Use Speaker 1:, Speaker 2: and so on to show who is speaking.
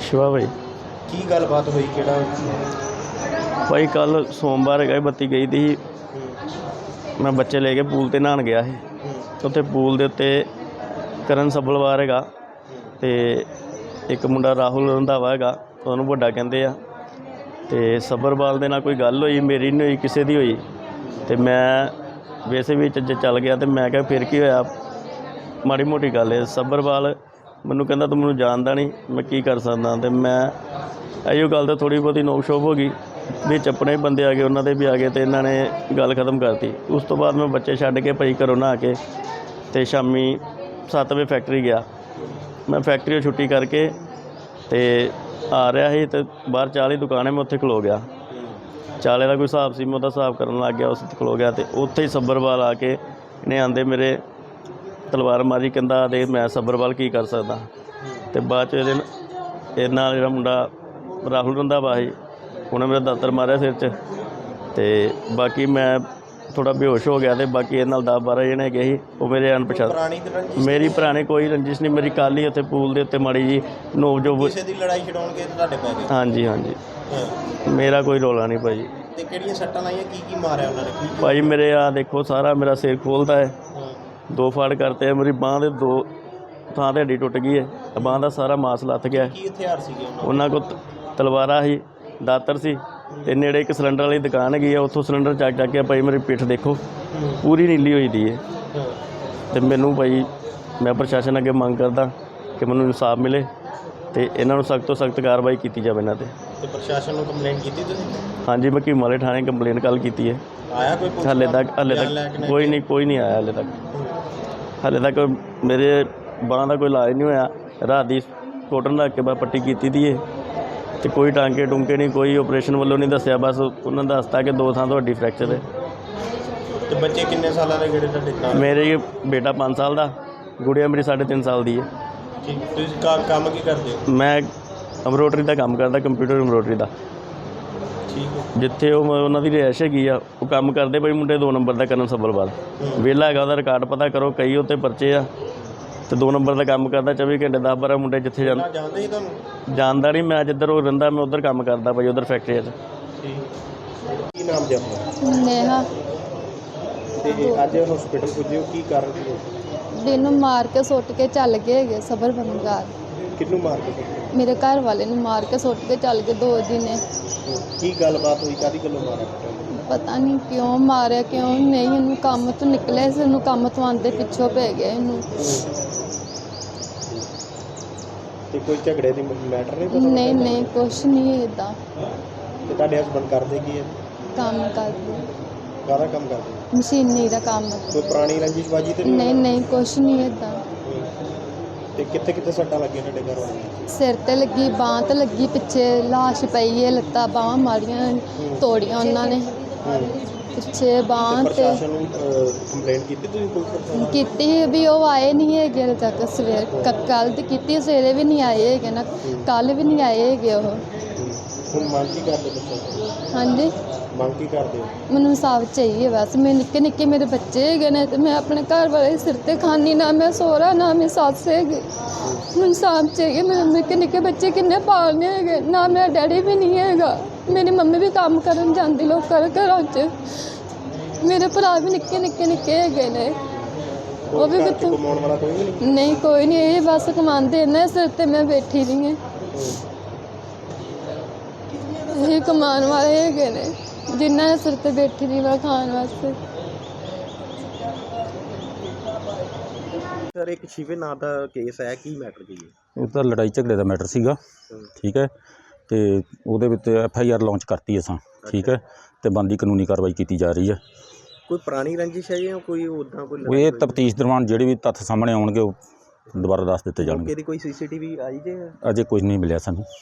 Speaker 1: शिवा भाई
Speaker 2: की गलबात हुई केड़ा
Speaker 1: भाई कल सोमवार है बत्ती गई थी। मैं बच्चे लेके पूल ते नहान गया ਸੀ ਉੱਥੇ पूल ਦੇ ਉੱਤੇ ਕਰਨ ਸੱਭਲਵਾਰ ਹੈਗਾ ਤੇ ਇੱਕ ਮੁੰਡਾ ਰਾਹੁਲ ਰੰਧਾਵਾ ਹੈਗਾ, ਉਹਨੂੰ ਵੱਡਾ ਕਹਿੰਦੇ ਆ। ਤੇ ਸੱਭਰਵਾਲ ਦੇ ਨਾਲ ਕੋਈ ਗੱਲ ਹੋਈ, ਮੇਰੀ ਨਹੀਂ ਹੋਈ, ਕਿਸੇ ਦੀ ਹੋਈ। ਤੇ ਮੈਂ ਵੈਸੇ ਵੀ ਚੱਲ ਗਿਆ ਤੇ ਮੈਂ ਕਿਹਾ ਫਿਰ ਕੀ ਹੋਇਆ, ਮਾੜੀ ਮੋਟੀ ਗੱਲ ਹੈ। ਸੱਭਰਵਾਲ ਮੈਨੂੰ ਕਹਿੰਦਾ ਤੂੰ ਮੈਨੂੰ ਜਾਣਦਾ ਨਹੀਂ, ਮੈਂ ਕੀ ਕਰ ਸਕਦਾ। ਤੇ ਮੈਂ ਇਹੋ ਗੱਲ ਤਾਂ ਥੋੜ੍ਹੀ ਬਹੁਤੀ ਨੋਕ ਸ਼ੋਕ ਹੋ ਗਈ, ਵਿੱਚ ਆਪਣੇ ਬੰਦੇ ਆ ਗਏ, ਉਹਨਾਂ ਦੇ ਵੀ ਆ ਗਏ ਤੇ ਇਹਨਾਂ ਨੇ ਗੱਲ ਖਤਮ ਕਰਤੀ। ਉਸ ਤੋਂ ਬਾਅਦ ਮੈਂ ਬੱਚੇ ਛੱਡ ਕੇ ਭਾਈ ਘਰੋਂ ਨਹਾ ਕੇ ਤੇ ਸ਼ਾਮੀ 7 ਵਜੇ ਫੈਕਟਰੀ ਗਿਆ। ਮੈਂ ਫੈਕਟਰੀ ਛੁੱਟੀ ਕਰਕੇ ਤੇ ਆ ਰਿਹਾ ਸੀ ਤੇ ਬਾਹਰ ਚਾਹ ਦੀ ਦੁਕਾਨ ਹੈ, ਮੈਂ ਉੱਥੇ ਖਲੋ ਗਿਆ। ਚਾਲੇ ਦਾ ਕੋਈ ਹਿਸਾਬ ਸੀ, ਮੈਂ ਉਹਦਾ ਹਿਸਾਬ ਕਰਨ ਲੱਗ ਗਿਆ, ਉਸ ਖਲੋ ਗਿਆ। ਤੇ ਉੱਥੇ ਹੀ ਸੱਭਰਵਾਲ ਆ ਕੇ ਇਹਨੇ ਆਂਦੇ ਮੇਰੇ ਤਲਵਾਰ ਮਾਰੀ, ਕਹਿੰਦਾ ਦੇ ਮੈਂ ਸੱਭਰਵਾਲ ਕੀ ਕਰ ਸਕਦਾ। ਤੇ ਬਾਅਦ 'ਚ ਇਹਦੇ ਨਾਲ ਜਿਹੜਾ ਮੁੰਡਾ ਰਾਹੁਲ ਰੰਧਾਵਾ ਸੀ, ਉਹਨੇ ਮੇਰਾ ਦਾਤਰ ਮਾਰਿਆ ਸਿਰ 'ਚ। ਤੇ ਬਾਕੀ ਮੈਂ ਥੋੜਾ ਬੇਹੋਸ਼ ਹੋ ਗਿਆ। ਤੇ ਬਾਕੀ ਇਹਦੇ ਨਾਲ 10-12 ਜਣੇ ਹੈਗੇ ਸੀ, ਉਹ ਮੇਰੇ ਅਣਪਛਾਤੇ। ਮੇਰੀ ਪੁਰਾਣੀ ਕੋਈ ਰੰਜਿਸ਼ ਨਹੀਂ, ਮੇਰੀ ਕੱਲ੍ਹ ਹੀ ਉੱਥੇ ਪੂਲ ਦੇ ਉੱਤੇ ਮਾੜੀ ਜੀ ਨੋਕ ਜੋ
Speaker 2: ਕਿਸੇ ਦੀ ਲੜਾਈ ਛਡਾਉਣ ਕੇ ਤੁਹਾਡੇ ਪੈ ਗਏ।
Speaker 1: ਹਾਂਜੀ ਹਾਂਜੀ, ਮੇਰਾ ਕੋਈ ਰੌਲਾ ਨਹੀਂ ਭਾਈ।
Speaker 2: ਤੇ ਕਿਹੜੀਆਂ ਸੱਟਾਂ ਲਾਈਆਂ, ਕੀ ਮਾਰਿਆ ਉਹਨਾਂ ਨੇ?
Speaker 1: ਭਾਈ ਮੇਰੇ ਆ ਦੇਖੋ, ਸਾਰਾ ਮੇਰਾ ਸਿਰ ਖੋਲਦਾ ਹੈ, 2 ਫਾੜ ਕਰਤੇ ਹੈ, ਮੇਰੀ ਬਾਂਹ ਦੇ 2 ਥਾਂ ਤੇ ਹੱਡੀ ਟੁੱਟ ਗਈ ਹੈ, ਬਾਂਹ ਦਾ ਸਾਰਾ ਮਾਸ ਲੱਥ ਗਿਆ।
Speaker 2: ਕੀ ਹਥਿਆਰ ਸੀਗੇ
Speaker 1: ਉਹਨਾਂ ਕੋਲ? ਤਲਵਾਰਾਂ ਸੀ, ਦਾਤਰ ਸੀ, ਤੇ ਨੇੜੇ ਇੱਕ ਸਿਲੰਡਰ ਵਾਲੀ ਦੁਕਾਨ ਹੈਗੀ ਆ, ਉੱਥੋਂ ਸਿਲੰਡਰ ਚੱਕ ਕੇ ਭਾਈ ਮੇਰੀ ਪਿੱਠ ਦੇਖੋ ਪੂਰੀ ਨੀਲੀ ਹੋਈ ਦੀ ਹੈ। ਤੇ ਮੈਨੂੰ ਭਾਈ ਮੈਂ ਪ੍ਰਸ਼ਾਸਨ ਅੱਗੇ ਮੰਗ ਕਰਦਾ ਕਿ ਮੈਨੂੰ ਇਨਸਾਫ ਮਿਲੇ ਤੇ ਇਹਨਾਂ ਨੂੰ ਸਖਤ ਤੋਂ ਸਖਤ ਕਾਰਵਾਈ ਕੀਤੀ ਜਾਵੇ ਇਹਨਾਂ 'ਤੇ।
Speaker 2: ਤੇ ਪ੍ਰਸ਼ਾਸਨ ਨੂੰ ਕੰਪਲੇਂਟ ਕੀਤੀ ਤੁਸੀਂ?
Speaker 1: ਹਾਂਜੀ, ਮੈਂ ਕੀਮਾਲੇ ਥਾਣੇ ਕੰਪਲੇਂਟ ਕੱਲ੍ਹ ਕੀਤੀ ਹੈ।
Speaker 2: ਆਇਆ ਕੋਈ?
Speaker 1: ਹਾਲੇ ਤੱਕ ਕੋਈ ਨਹੀਂ ਆਇਆ ਹਾਲੇ ਤੱਕ ਮੇਰੇ ਬਾਂਹ ਦਾ ਕੋਈ ਇਲਾਜ ਨਹੀਂ ਹੋਇਆ। ਰਾਤ ਦੀ ਕੋਟਨ ਰੱਖ ਕੇ ਬਸ ਪੱਟੀ ਕੀਤੀ ਦੀ ਹੈ ਤੇ ਕੋਈ ਟਾਂਕੇ ਟੁੰਕੇ ਨਹੀਂ, ਕੋਈ ਆਪਰੇਸ਼ਨ ਵੱਲੋਂ ਨਹੀਂ ਦੱਸਿਆ। ਬਸ ਉਹਨਾਂ ਨੇ ਦੱਸਤਾ ਕਿ 2 ਥਾਂ ਤੋਂ ਹੱਡੀ ਫ੍ਰੈਕਚਰ ਹੈ।
Speaker 2: ਤੇ ਬੱਚੇ ਕਿੰਨੇ ਸਾਲਾਂ ਦੇ ਜਿਹੜੇ ਤੁਹਾਡੇ ਨਾਲ?
Speaker 1: ਮੇਰੇ ਬੇਟਾ 5 ਸਾਲ ਦਾ, ਗੁੜੀਆ ਮੇਰੀ 3.5 ਸਾਲ ਦੀ ਹੈ।
Speaker 2: ਠੀਕ, ਤੁਸੀਂ ਕੰਮ ਕੀ ਕਰਦੇ ਹੋ?
Speaker 1: ਮੈਂ ਐਮਬਰੋਡਰੀ ਦਾ ਕੰਮ ਕਰਦਾ, ਕੰਪਿਊਟਰ ਐਮਬਰੋਡਰੀ ਦਾ।
Speaker 2: ਠੀਕ ਹੈ।
Speaker 1: ਜਿੱਥੇ ਉਹਨਾਂ ਦੀ ਰਿਹਾਇਸ਼ ਹੈਗੀ ਆ, ਉਹ ਕੰਮ ਕਰਦੇ ਬਈ ਮੁੰਡੇ 2 ਨੰਬਰ ਦਾ ਕਰਨ ਸੱਭਰਵਾਲ, ਵਿਹਲਾ ਹੈਗਾ, ਉਹਦਾ ਰਿਕਾਰਡ ਪਤਾ ਕਰੋ, ਕਈ ਉੱਤੇ ਪਰਚੇ ਆ। ਤੇ 2 ਨੰਬਰ ਦਾ ਕੰਮ ਕਰਦਾ 24 ਘੰਟੇ, 10-12 ਮੁੰਡੇ ਜਿੱਥੇ
Speaker 2: ਜਾਣਦੇ ਹੀ ਤੁਹਾਨੂੰ?
Speaker 1: ਜਾਣਦਾ ਨਹੀਂ, ਮੈਂ ਜਿੱਧਰ ਉਹ ਰਹਿੰਦਾ ਮੈਂ ਉੱਧਰ ਕੰਮ ਕਰਦਾ ਭਾਈ, ਉੱਧਰ ਫੈਕਟਰੀ 'ਚ।
Speaker 2: ਕੀ ਨਾਮ ਜੀ ਆਪਣਾ?
Speaker 3: ਨੇਹਾ।
Speaker 2: ਤੇ ਅੱਜ ਹਸਪੀਟਲ ਪੁੱਜੇ ਹੋ, ਕੀ ਕਾਰਨ ਸੀ?
Speaker 3: ਦਿਨ ਮਾਰ ਕੇ ਸੁੱਟ ਕੇ ਚੱਲ ਗਏ ਹੈਗੇ ਸੱਭਰਵਾਲ।
Speaker 2: ਕਿਹਨੂੰ ਮਾਰ ਕੇ?
Speaker 3: ਮੇਰੇ ਘਰ ਵਾਲੇ ਨੂੰ ਮਾਰ ਕੇ ਸੁੱਟ ਕੇ ਚੱਲ ਗਏ 2 ਦਿਨ।
Speaker 2: ਕੀ ਗੱਲਬਾਤ ਹੋਈ, ਕਾਹਦੀ ਗੱਲੋਂ ਮਾਰਿਆ?
Speaker 3: ਪਤਾ ਨਹੀਂ ਕਿਉਂ ਮਾਰਿਆ ਕਿਉਂ ਨਹੀਂ। ਇਹਨੂੰ ਕੰਮ ਤੋਂ ਨਿਕਲਿਆ ਸੀ, ਇਹਨੂੰ ਕੰਮ ਤੋਂ ਆਉਂਦੇ ਪਿੱਛੋਂ ਪੈ ਗਿਆ ਇਹਨੂੰ।
Speaker 2: ਤੇ ਕੋਈ ਝਗੜੇ ਦੀ ਮੈਟਰ ਨਹੀਂ ਪਤਾ?
Speaker 3: ਨਹੀਂ ਕੁਛ ਨਹੀਂ ਇੱਦਾਂ।
Speaker 2: ਤੇ ਤੁਹਾਡੇ ਹਸਬੰਦ ਕਰਦੇ ਕੀ ਹੈ?
Speaker 3: ਕੰਮ ਕਰਦੇ,
Speaker 2: ਕਾਹਦਾ ਕੰਮ ਕਰਦੇ?
Speaker 3: ਮਸ਼ੀਨੀ ਦਾ ਕੰਮ।
Speaker 2: ਕੋਈ ਪੁਰਾਣੀ ਰੰਜਿਸ਼ਬਾਜੀ ਤੇ
Speaker 3: ਨਹੀਂ ਕੁਛ ਨਹੀਂ ਇੱਦਾਂ।
Speaker 2: ਤੇ ਕਿੱਥੇ ਸੱਟਾਂ ਲੱਗੀਆਂ ਤੁਹਾਡੇ ਘਰ ਵਾਲੇ?
Speaker 3: ਸਿਰ ਤੇ ਲੱਗੀ, ਬਾਂਹ ਤੇ ਲੱਗੀ, ਪਿੱਛੇ ਲਾਸ਼ ਪਈ ਹੈ, ਲੱਤਾਂ ਬਾਹਾਂ ਮਾਰੀਆਂ ਤੋੜੀਆਂ ਉਹਨਾਂ ਨੇ, ਪਿੱਛੇ ਬਾਂਹ ਤੇ।
Speaker 2: ਪ੍ਰਸ਼ਾਸਨ ਨੂੰ ਕੰਪਲੇਂਟ ਕੀਤੀ ਤੁਸੀਂ ਪੁਲਿਸ ਪ੍ਰਸ਼ਾਸਨ?
Speaker 3: ਕੀਤੀ ਵੀ ਉਹ ਆਏ ਨਹੀਂ ਹੈਗੇ ਹਾਲੇ ਤੱਕ। ਸਵੇਰ ਕੱਲ੍ਹ ਦੀ ਕੀਤੀ, ਸਵੇਰੇ ਵੀ ਨਹੀਂ ਆਏ ਹੈਗੇ ਨਾ, ਕੱਲ੍ਹ ਵੀ ਨਹੀਂ ਆਏ ਹੈਗੇ ਉਹ।
Speaker 2: ਹੁਣ ਮੰਗ ਕੀ ਕਰਦੇ ਪ੍ਰਸ਼ਾਸਨ?
Speaker 3: ਹਾਂਜੀ,
Speaker 2: ਮੰਗ ਕੀ ਕਰਦੇ ਹੋ?
Speaker 3: ਮੈਨੂੰ ਇਨਸਾਫ ਚਾਹੀਏ ਬਸ। ਮੈਂ ਨਿੱਕੇ ਮੇਰੇ ਬੱਚੇ ਹੈਗੇ ਨੇ ਤੇ ਮੈਂ ਆਪਣੇ ਘਰ ਵਾਲੇ ਸਿਰ ਤੇ ਖਾਨੀ, ਨਾ ਮੈਂ ਸਹੁਰਾ ਨਾ ਮੈਂ ਸੱਸ ਹੈਗੀ। ਮੈਨੂੰ ਇਨਸਾਫ ਚਾਹੀਏ। ਮੇਰੇ ਨਿੱਕੇ ਬੱਚੇ ਕਿੰਨੇ ਪਾਲਨੇ ਹੈਗੇ, ਨਾ ਮੇਰਾ ਡੈਡੀ ਵੀ ਨਹੀਂ ਹੈਗਾ। ਮੇਰੀ ਮੰਮੀ ਵੀ ਕੰਮ ਕਰਨ ਜਾਂਦੀ ਲੋਕਾਂ ਦੇ ਘਰਾਂ 'ਚ। ਮੇਰੇ ਭਰਾ ਵੀ ਨਿੱਕੇ ਹੈਗੇ ਨੇ, ਉਹ ਵੀ ਕਿੱਥੋਂ?
Speaker 2: ਕਮਾਉਣ ਵਾਲਾ ਕੋਈ ਨਹੀਂ?
Speaker 3: ਨਹੀਂ ਕੋਈ ਨਹੀਂ, ਇਹ ਬਸ ਕਮਾਉਂਦੇ ਇਹਨਾਂ ਸਿਰ ਤੇ ਮੈਂ ਬੈਠੀ ਰਹੀ ਹਾਂ। ਇਹ ਕਮਾਉਣ ਵਾਲੇ ਹੈਗੇ ਨੇ, ਜਿਨ੍ਹਾਂ ਦੇ ਸਿਰ ਤੇ ਬੈਠੀ ਰਹੀ ਵਾ ਖਾਣ ਵਾਸਤੇ।
Speaker 2: ਸਰ, ਇੱਕ ਸ਼ਿਵੇ ਨਾਂ ਦਾ ਕੇਸ ਹੈ, ਕੀ ਮੈਟਰ ਕੀ ਹੈ?
Speaker 4: ਇਹ ਤਾਂ ਲੜਾਈ ਝਗੜੇ ਦਾ ਮੈਟਰ ਸੀਗਾ, ਠੀਕ ਹੈ। ਤੇ ਉਹਦੇ ਵਿੱਚ FIR ਲਾਂਚ ਕਰਤੀ ਅਸਾਂ, ਠੀਕ ਹੈ। ਤੇ ਬਣਦੀ ਕਾਨੂੰਨੀ ਕਾਰਵਾਈ ਕੀਤੀ ਜਾ ਰਹੀ ਹੈ।
Speaker 2: ਕੋਈ ਪੁਰਾਣੀ ਰੰਜਿਸ਼ ਹੈ ਜਾਂ ਕੋਈ ਉੱਦਾਂ ਕੋਈ?
Speaker 4: ਇਹ ਤਫਤੀਸ਼ ਦੌਰਾਨ ਜਿਹੜੇ ਵੀ ਤੱਥ ਸਾਹਮਣੇ ਆਉਣਗੇ ਉਹ ਦੁਬਾਰਾ ਦੱਸ ਦਿੱਤੇ ਜਾਣਗੇ।
Speaker 2: ਕੋਈ CCTV ਆਈ ਜੇ?
Speaker 4: ਅਜੇ ਕੁਝ ਨਹੀਂ ਮਿਲਿਆ ਸਾਨੂੰ।